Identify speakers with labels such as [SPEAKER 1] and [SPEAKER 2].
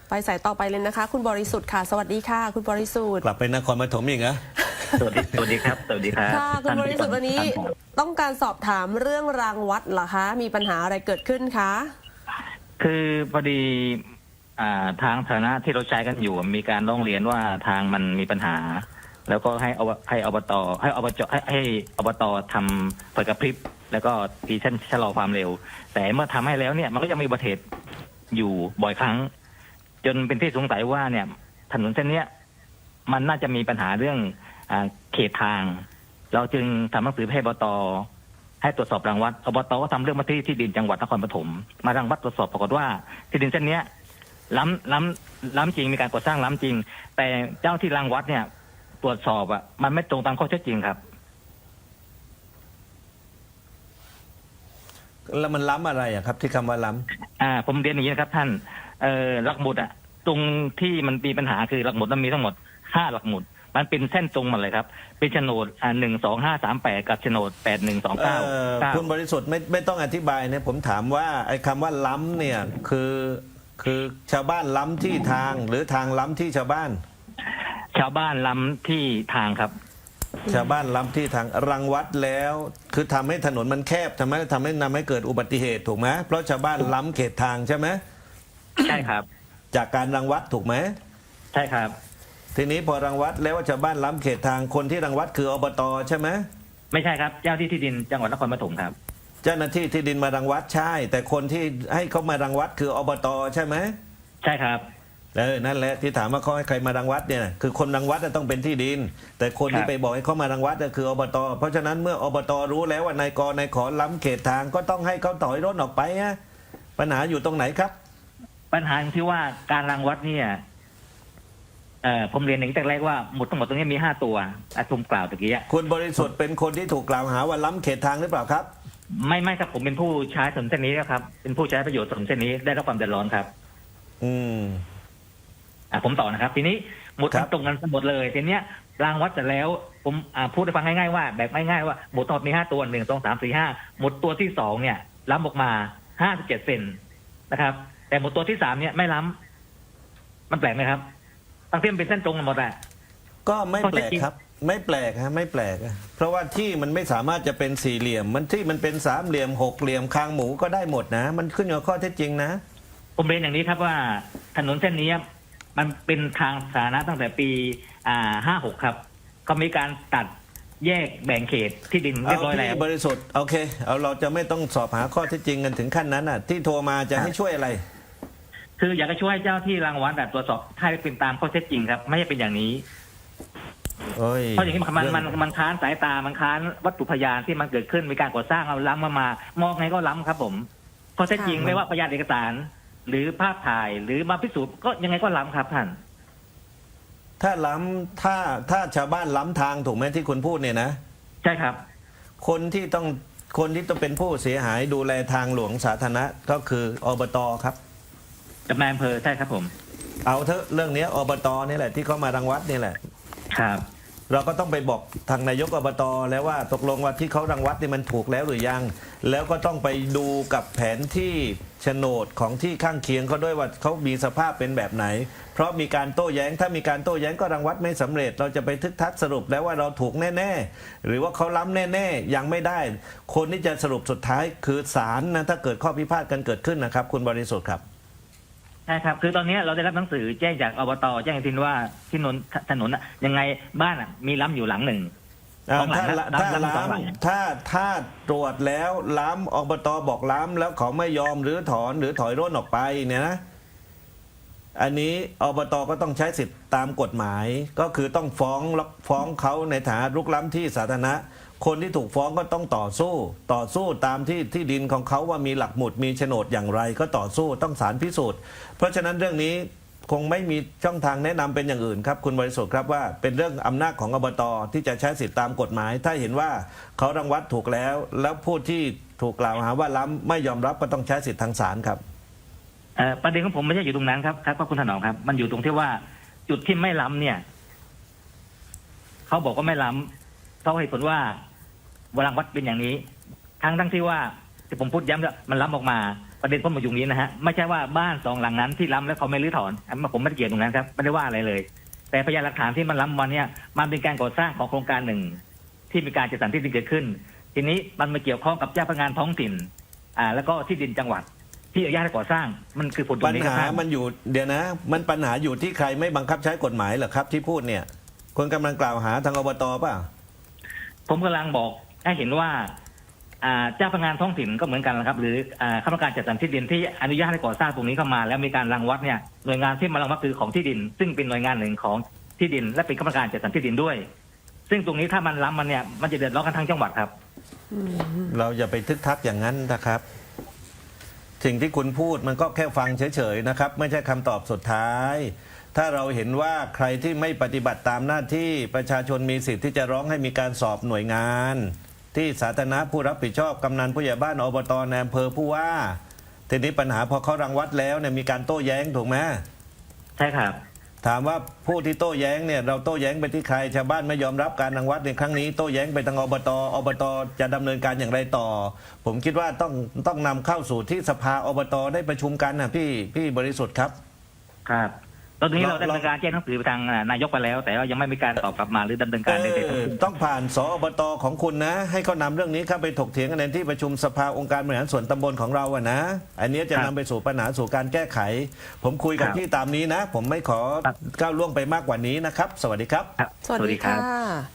[SPEAKER 1] ไปสายต่อไปเลยนะคะ คุณบริสุทธิ์ค่ะสวัสดีค่ะคุณบริสุทธิ์
[SPEAKER 2] กลับไปนครปฐมอีกเหรอ
[SPEAKER 3] สวัสดีครับสวัสดีครับ
[SPEAKER 1] ค่ะคุณบริสุทธิ์วันนี้ต้องการสอบถามเรื่องรางวัดเหรอคะมีปัญหาอะไรเกิดขึ้นคะ
[SPEAKER 3] คือพอดีทางฐานะที่เราใช้กันอยู่มีการร้องเรียนว่าทางมันมีปัญหา แล้วก็ให้อบตให้อบตทำไฟกระพริบแล้วก็ตีเส้นชะลอความเร็ว แต่เมื่อทำให้แล้วเนี่ยมันก็ยังมีอุบัติเหตุอยู่บ่อยครั้ง จนเป็นที่สงสัยว่าเนี่ยถนนเส้นเนี้ยมันน่าจะมีปัญหาเรื่องเขตทาง เราจึงทำหนังสือให้อบตให้ตรวจสอบรังวัดอบตก็ทำเรื่องมาที่ดินจังหวัดนครปฐมมารังวัดตรวจสอบปรากฏว่าที่ดินเส้นเนี้ยล้ำจริงมีการก่อสร้างล้ำจริง แต่เจ้าที่รังวัดเนี่ยตรวจสอบมันไม่ตรงตามข้อเท็จจริงครับ
[SPEAKER 2] แล้วมันล้ำอะไรครับที่คำว่าล้
[SPEAKER 3] ำผมเรียนอย่างนี้นะครับท่านหลักหมุดตรงที่มันมีปัญหาคือหลักหมุดมันมีทั้งหมด5หลักหมุดมันเป็นเส้นตรงหมดเลยครับเป็นโฉนด12538กับโฉนด8129
[SPEAKER 2] คุณบริสุทธิ์ไม่ต้องอธิบายนะผมถามว่าไอ้คำว่าล้ำเนี่ยคือชาวบ้านล้ำที่ทางหรือทางล้ำที่ชาวบ้าน
[SPEAKER 3] ชาวบ้านล้ำที่ทางครับ
[SPEAKER 2] ชาวบ้านล้ำที่ทางรังวัดแล้วคือทำให้ถนนมันแคบทำให้เกิดอุบัติเหตุถูกไหมเพราะชาวบ้านล้ำเขตทางใช่ไหม
[SPEAKER 3] ใช่ครับ
[SPEAKER 2] จากการรังวัดถูกไหม
[SPEAKER 3] ใช่ครับ
[SPEAKER 2] ทีนี้พอรังวัดแล้วว่าชาวบ้านล้ำเขตทางคนที่รังวัดคืออบตใช่ไหม
[SPEAKER 3] ไม่ใช่ครับเจ้าที่ดินจังหวัดนครปฐมครับ
[SPEAKER 2] เจ้าหน้าที่ที่ดินมารังวัดใช่แต่คนที่ให้เขามารังวัดคืออบตใช่ไหม
[SPEAKER 3] ใช่ครับ
[SPEAKER 2] นั่นแหละที่ถามว่าเขาให้ใครมารังวัดเนี่ยคือคนรังวัดต้องเป็นที่ดินแต่คนที่ไปบอกให้เขามารังวัดคืออบตเพราะฉะนั้นเมื่ออบตรู้แล้วว่านายกนายขอล้ำเขตทางก็ต้องให้เขาถอยรถออกไปฮะปัญหาอยู่ตรงไหนครับ
[SPEAKER 3] ปัญหาที่ว่าการรังวัดเนี่ยผมเรียนอย่างแต่แรกว่าหมุดทั้งหมดตรงนี้มี5ตัวผมกล่าวตะกี้
[SPEAKER 2] คุณบริสุทธิ์เป็นคนที่ถูกกล่าวหาว่าล้ำเขตทางหรือเปล่าครับ
[SPEAKER 3] ไม่ครับผมเป็นผู้ใช้ถนนเส้นนี้ครับเป็นผู้ใช้ประโยชน์ถนนเส้นนี้ได้รับความเดือดร้อนครับผมต่อนะครับทีนี้หมุดตรงกันหมดเลยทีเนี้ยรางวัดเสร็จแล้วผมพูดให้ฟังง่ายๆว่าแบบง่ายๆว่าหมุดทั้งหมดมี5ตัว1 2 3 4 5หมุดตัวที่2เนี่ยล้ำออกมา57เซนนะครับแต่หมุดตัวที่3เนี่ยไม่ล้ำมันแปลกไหมครับตั้งที่มันเป็นเส้นตรงหมด
[SPEAKER 2] ก็ไม่แปลกครับไม่แปลกฮะไม่แปลกเพราะว่าที่มันไม่สามารถจะเป็นสี่เหลี่ยมมันที่มันเป็นสามเหลี่ยมหกเหลี่ยมคางหมูก็ได้หมดนะมันขึ้นอยู่กับข้อเท็จจริงนะ
[SPEAKER 3] ผมเรียนอย่างนี้ครับว่าถนนเส้นนี้มันเป็นทางสาธารณะตั้งแต่ปี56ครับก็มีการตัดแยกแบ่งเขตที่ดินเรียบร้อยแล้ว
[SPEAKER 2] บริสุทธิ์โอเคเราจะไม่ต้องสอบหาข้อเท็จจริงกันถึงขั้นนั้นที่โทรมาจะให้ช่วยอะไร
[SPEAKER 3] คืออยากจะช่วยเจ้าที่รังวัดตรวจสอบให้เป็นตามข้อเท็จจริงครับไม่ใช่เป็นอย่างนี้เพราะอย่างนี้มันค้านสายตามันค้านวัตถุพยานที่มันเกิดขึ้นมีการก่อสร้างเอาล้ำมามองไงก็ล้ำครับผมข้อเท็จจริงไม่ว่าพยานเอกสารหรือภาพถ่ายหรือมาพิสูจน์ก็ยังไงก็ล้ำครับท่าน
[SPEAKER 2] ถ้าล้ำถ้าชาวบ้านล้ำทางถูกไหมที่คุณพูดเนี่ยนะ
[SPEAKER 3] ใช่ครับ
[SPEAKER 2] คนที่ต้องเป็นผู้เสียหายดูแลทางหลวงสาธารณะก็คืออบตครับ
[SPEAKER 3] กับนายอำเภอใช่ครับผม
[SPEAKER 2] เอาเถอะเรื่องนี้อบตนี่แหละที่เขามารังวัดนี่แหละ
[SPEAKER 3] ครับ
[SPEAKER 2] เราก็ต้องไปบอกทางนายกอบตแล้วว่าตกลงว่าที่เขารังวัดนี่มันถูกแล้วหรือยังแล้วก็ต้องไปดูกับแผนที่โฉนดของที่ข้างเคียงเขาด้วยว่าเขามีสภาพเป็นแบบไหนเพราะมีการโต้แย้งถ้ามีการโต้แย้งก็รังวัดไม่สำเร็จเราจะไปทึกทักสรุปแล้วว่าเราถูกแน่ๆหรือว่าเขาล้ำแน่ๆยังไม่ได้คนที่จะสรุปสุดท้ายคือศาลนะถ้าเกิดข้อพิพาทกันเกิดขึ้นนะครับคุณบริสุทธิ์ครับ
[SPEAKER 3] ใช่ครับคือตอนนี้เราได้รับหนังสือแจ้งจากอบตแจ้งทินว่าที่ถนนยังไงบ้านมีล้ำอยู่หลังหนึ่ง
[SPEAKER 2] ถ้าตรวจแล้วล้ำอบตบอกล้ำแล้วเขาไม่ยอมหรือถอนหรือถอยร่นออกไปเนี่ยนะอันนี้อบตก็ต้องใช้สิทธิ์ตามกฎหมายก็คือต้องฟ้องเขาในฐานะรุกล้ำที่สาธารณะคนที่ถูกฟ้องก็ต้องต่อสู้ตามที่ดินของเขาว่ามีหลักหมุดมีโฉนดอย่างไรก็ต่อสู้ต้องศาลพิสูจน์เพราะฉะนั้นเรื่องนี้คงไม่มีช่องทางแนะนำเป็นอย่างอื่นครับคุณบริสุทธิ์ครับว่าเป็นเรื่องอำนาจของอบตที่จะใช้สิทธิตามกฎหมายถ้าเห็นว่าเขารังวัดถูกแล้วผู้ที่ถูกกล่าวหาว่าล้ำไม่ยอมรับก็ต้องใช้สิทธิทางศาลครับ
[SPEAKER 3] ประเด็นของผมไม่ใช่อยู่ตรงนั้นครับคุณถนอมครับมันอยู่ตรงที่ว่าจุดที่ไม่ล้ำเนี่ยเขาบอกว่าไม่ล้ำเขาให้ผลว่ารังวัดเป็นอย่างนี้ทั้งที่ว่าที่ผมพูดย้ำว่ามันล้ำออกมาประเด็นผมมาอยู่นี้นะฮะไม่ใช่ว่าบ้านสองหลังนั้นที่ล้ำแล้วเขาไม่รื้อถอนผมไม่ได้เกี่ยวตรงนั้นครับไม่ได้ว่าอะไรเลย แต่พยานหลักฐานที่มันล้ำวันเนี่ยมันเป็นการก่อสร้างของโครงการหนึ่งที่มีการจัดสรรที่ดินเกิดขึ้น ทีนี้มันมาเกี่ยวข้องกับเจ้าพนักงานท้องถิ่นแล้วก็ที่ดินจังหวัดที่อนุญาตให้ก่อสร้างมันคือผลตร
[SPEAKER 2] ปั
[SPEAKER 3] ง
[SPEAKER 2] ญ
[SPEAKER 3] นี้ค
[SPEAKER 2] หา
[SPEAKER 3] รับ
[SPEAKER 2] มันอยู่เดี๋ยวนะ มันปัญหาอยู่ที่ใครไม่บังคับใช้กฎหมายเหรอครับ ที่พูดเนี่ยคนกำลังกล่าวหาทางอบตป่ะ
[SPEAKER 3] ผมกำลังบอกให้เห็นว่าเจ้าพนักงานท้องถิ่นก็เหมือนกันนะครับ หรือคณะกรรมการจัดสรรที่ดินที่อนุญาตให้ก่อสร้างตรงนี้เข้ามา แล้วมีการรังวัดเนี่ยหน่วยงานที่มารังวัดคือของที่ดิน ซึ่งเป็นหน่วยงานหนึ่งของที่ดิน และเป็นคณะกรรมการจัดสรรที่ดินด้วย ซึ่งตรงนี้ถ้ามันล้ำมันเนี่ยมันจะเดือดร้อนกันทั้งจังหวัดครับ
[SPEAKER 2] เราอย่าไปทึกทักอย่างนั้นนะครับ สิ่งที่คุณพูดมันก็แค่ฟังเฉยๆนะครับ ไม่ใช่คำตอบสุดท้าย ถ้าเราเห็นว่าใครที่ไม่ปฏิบัติตามหน้าที่ประชาชนมีสิทธิ์ที่จะร้องให้มีการสอบหน่วยงาน ที่สาธารณะผู้รับผิดชอบกำนันผู้ใหญ่บ้านอบตในอำเภอผู้ว่าทีนี้ปัญหาพอเขารังวัดแล้วเนี่ยมีการโต้แย้งถูกไหม
[SPEAKER 3] ใช่ครับ
[SPEAKER 2] ถามว่าผู้ที่โต้แย้งเนี่ยเราโต้แย้งไปที่ใครชาวบ้านไม่ยอมรับการรังวัดในครั้งนี้โต้แย้งไปทางอบตจะดำเนินการอย่างไรต่อ ผมคิดว่าต้องนำเข้าสู่ที่สภาอบตได้ประชุมกันนะพี่บริสุทธิ์ครับ
[SPEAKER 3] ครับตอนนี้เรา
[SPEAKER 2] เรา
[SPEAKER 3] ดำเนินการแจ้งหนังสือไปทางนายกไปแล้ว แต่ว่ายังไม่มีการตอบกลับมาหรือดำเนินการใดๆทั้งสิ้น
[SPEAKER 2] ต้องผ่านสอบตของคุณนะ ให้เขานำเรื่องนี้เข้าไปถกเถียงกันในที่ประชุมสภาองค์การบริหารส่วนตำบลของเราอะนะ อันนี้จะ
[SPEAKER 3] ครั
[SPEAKER 2] นำ
[SPEAKER 3] บ
[SPEAKER 2] ไปสู่ปัญหาสู่การแก้ไข ผมคุยกับ
[SPEAKER 3] ครับ
[SPEAKER 2] พี่ตามนี้นะ ผมไม่ขอ
[SPEAKER 3] ครับ
[SPEAKER 2] ก้าวล่วงไปมากกว่านี้นะครับ สวัสดีครับ
[SPEAKER 3] ครับ
[SPEAKER 1] สวัสดีค่ะ